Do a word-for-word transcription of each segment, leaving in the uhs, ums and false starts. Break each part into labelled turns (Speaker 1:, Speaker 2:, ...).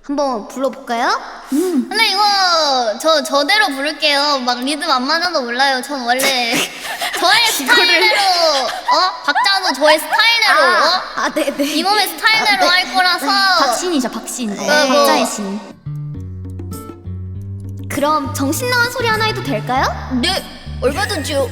Speaker 1: 한번 불러볼까요?
Speaker 2: 음. 근데 이거 저 저대로 부를게요. 막 리듬 안 맞아도 몰라요. 전 원래 저의 스타일대로 어 박자도 저의 스타일대로 어?
Speaker 1: 아, 아 네네.
Speaker 2: 이 몸의 스타일대로
Speaker 1: 아, 네.
Speaker 2: 할 거라서.
Speaker 3: 박신이죠, 박신.
Speaker 1: 네.
Speaker 3: 어, 박자의 신.
Speaker 1: 그럼 정신 나간 소리 하나 해도 될까요?
Speaker 2: 네, 얼마든지요.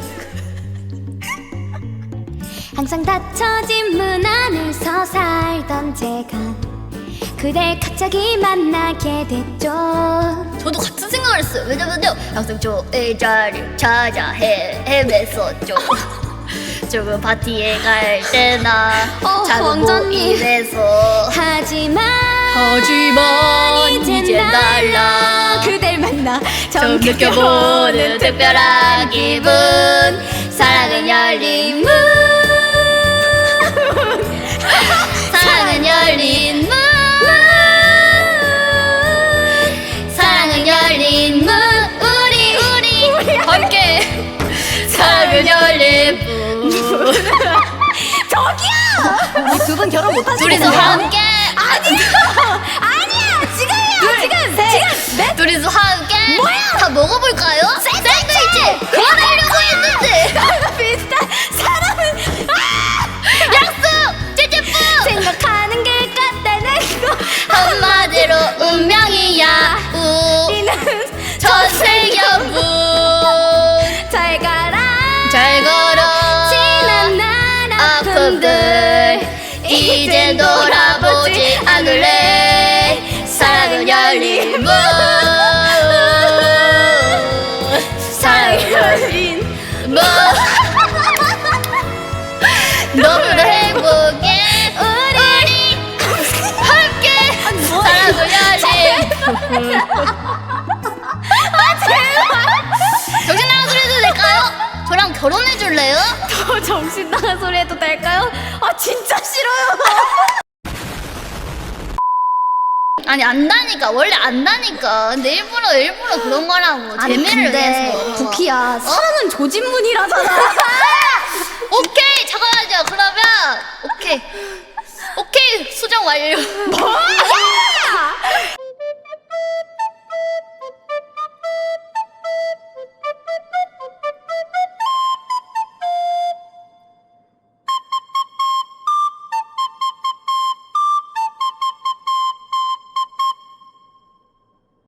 Speaker 1: 항상 닫혀진 문 안에서 살던 제가 그댈 갑자기 만나게 됐죠.
Speaker 2: 저도 같은 생각을 했어요. 왜냐면요, 항상 저의 자리를 찾아 헤, 헤맸었죠. 조금 파티에 갈 때나
Speaker 1: 어,
Speaker 2: 작은
Speaker 1: 원장님.
Speaker 2: 모임에서.
Speaker 1: 하지만
Speaker 2: 하지만 이제 달라.
Speaker 1: 그댈 만나
Speaker 2: 처음 느껴보는 특별한 기분. 사랑은 열린 문. 사랑은 열린 문. 사랑은 열린 문. 우리 우리 함께. 사랑은 열린 문.
Speaker 1: 저기요! 우리 두 분 결혼 못 하시겠어요?
Speaker 2: 둘이서 함께.
Speaker 1: 아니야! 아니야! 지금이야! 지금! 지금! 네?
Speaker 2: 둘이서 함께.
Speaker 1: 뭐야?
Speaker 2: 다 먹어볼까요? 샌드위치. 그만하려고 했는데.
Speaker 1: 비슷한 사람은
Speaker 2: 약속. 찌찌뿌.
Speaker 1: 생각하는 게 같다는 거
Speaker 2: 한마디로 운명이야.
Speaker 1: 우리는
Speaker 2: 전세계분.
Speaker 1: 잘 가라
Speaker 2: 잘 걸어.
Speaker 1: 지난 날 아픔들
Speaker 2: 아픔들 이제 돌아보지 않을래. 사랑은 열린 문. 사랑은 열린 문. 너무나 행복해. 우리 함께. 사랑은 열린 문. 정신 나간 소리 해도 될까요? 저랑 결혼해 줄래요?
Speaker 1: 더 정신 나간 소리 해도 될까요? 아 진짜 싫어요.
Speaker 2: 아니 안다니까. 원래 안다니까. 근데 일부러 일부러 그런 거라고. 재미를 위해서.
Speaker 1: 부키야 사랑은 조진문이라잖아.